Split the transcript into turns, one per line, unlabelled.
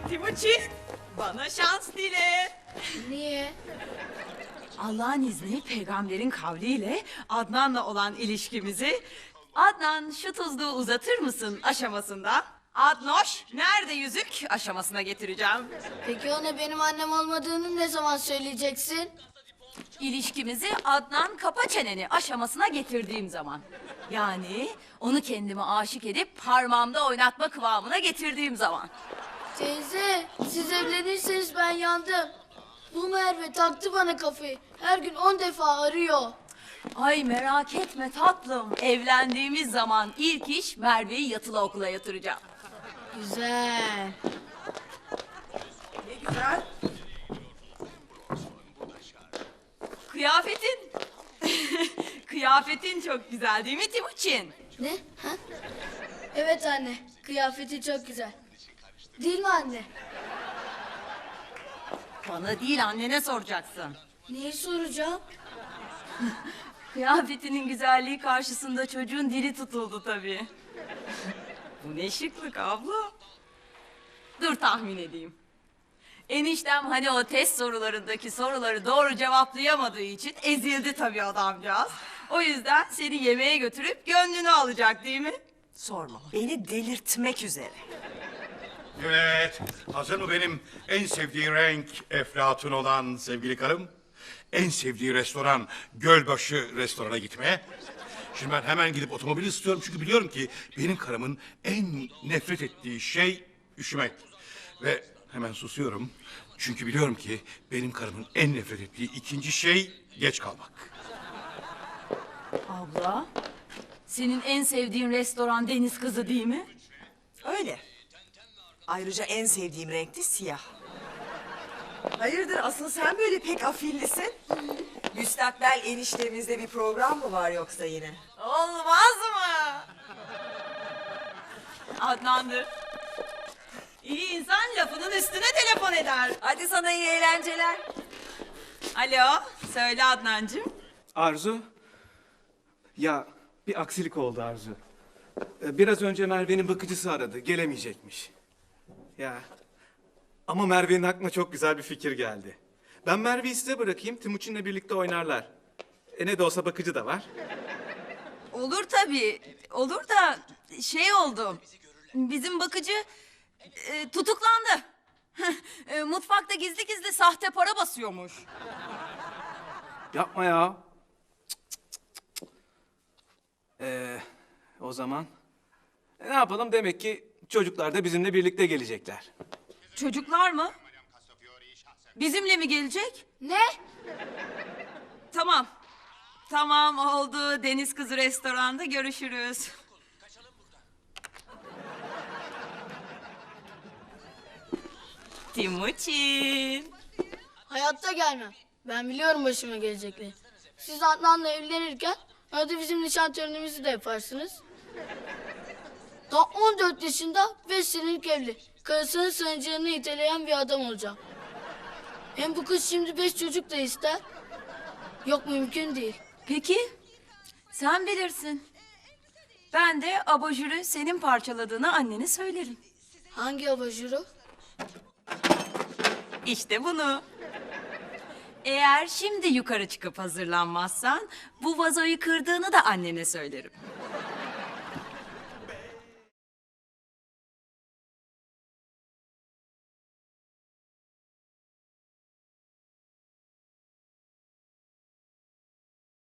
Timuçin, bana şans dile.
Niye?
Allah'ın izni peygamberin kavliyle Adnan'la olan ilişkimizi Adnan şu tuzluğu uzatır mısın aşamasında Adnoş nerede yüzük aşamasına getireceğim.
Peki ona benim annem olmadığını ne zaman söyleyeceksin?
İlişkimizi Adnan kapa çeneni aşamasına getirdiğim zaman. Yani onu kendime aşık edip parmağımda oynatma kıvamına getirdiğim zaman.
Teyze, siz evlenirseniz ben yandım. Bu Merve taktı bana kafayı. Her gün 10 defa arıyor.
Ay merak etme tatlım. Evlendiğimiz zaman ilk iş Merve'yi yatılı okula yatıracağım.
Güzel.
Ne güzel. Kıyafetin. Kıyafetin çok güzel değil mi Timuçin?
Ne? Ha? Evet anne, kıyafeti çok güzel. Değil mi anne?
Bana değil annene soracaksın.
Neyi soracağım?
Kıyafetinin güzelliği karşısında çocuğun dili tutuldu tabii. Bu ne şıklık abla. Dur tahmin edeyim. Eniştem hani o test sorularındaki soruları doğru cevaplayamadığı için ezildi tabii adamcağız. O yüzden seni yemeğe götürüp gönlünü alacak değil mi?
Sorma. Beni delirtmek üzere.
Evet, hazır mı benim en sevdiği renk eflatun olan sevgili karım? En sevdiği restoran Gölbaşı restorana gitmeye. Şimdi ben hemen gidip otomobil istiyorum çünkü biliyorum ki benim karımın en nefret ettiği şey üşümek. Ve hemen susuyorum çünkü biliyorum ki benim karımın en nefret ettiği ikinci şey geç kalmak.
Abla, senin en sevdiğin restoran Deniz Kızı değil mi?
Öyle. Ayrıca en sevdiğim renk de siyah. Hayırdır asıl sen böyle pek afillisin? Müstakbel eniştemizde bir program mı var yoksa yine?
Olmaz mı? Adnan'dır. İyi insan lafının üstüne telefon eder.
Hadi sana iyi eğlenceler.
Alo, söyle Adnancığım.
Arzu? Ya bir aksilik oldu Arzu. Biraz önce Merve'nin bakıcısı aradı. Gelemeyecekmiş. Ya ama Merve'nin aklına çok güzel bir fikir geldi. Ben Merve'yi size bırakayım. Timuçin'le birlikte oynarlar. Ne de olsa bakıcı da var.
Olur tabii. Olur da şey oldu. Bizim bakıcı tutuklandı. Mutfakta gizli gizli sahte para basıyormuş.
Yapma ya. O zaman ne yapalım? Demek ki çocuklar da bizimle birlikte gelecekler.
Çocuklar mı? Bizimle mi gelecek?
Ne?
Tamam. Tamam oldu. Deniz Kızı restoranda görüşürüz. Timuçin.
Hayatta gelmem. Ben biliyorum başıma gelecekleri. Siz Adnan'la evlenirken arada bizim nişan törenimizi de yaparsınız. Daha 14 yaşında 5 senelik evli. Karısının sancağını iteleyen bir adam olacağım. Hem bu kız şimdi 5 çocuk da ister. Yok mümkün değil.
Peki. Sen bilirsin. Ben de abajürü senin parçaladığını annene söylerim.
Hangi abajuru?
İşte bunu. Eğer şimdi yukarı çıkıp hazırlanmazsan bu vazoyu kırdığını da annene söylerim.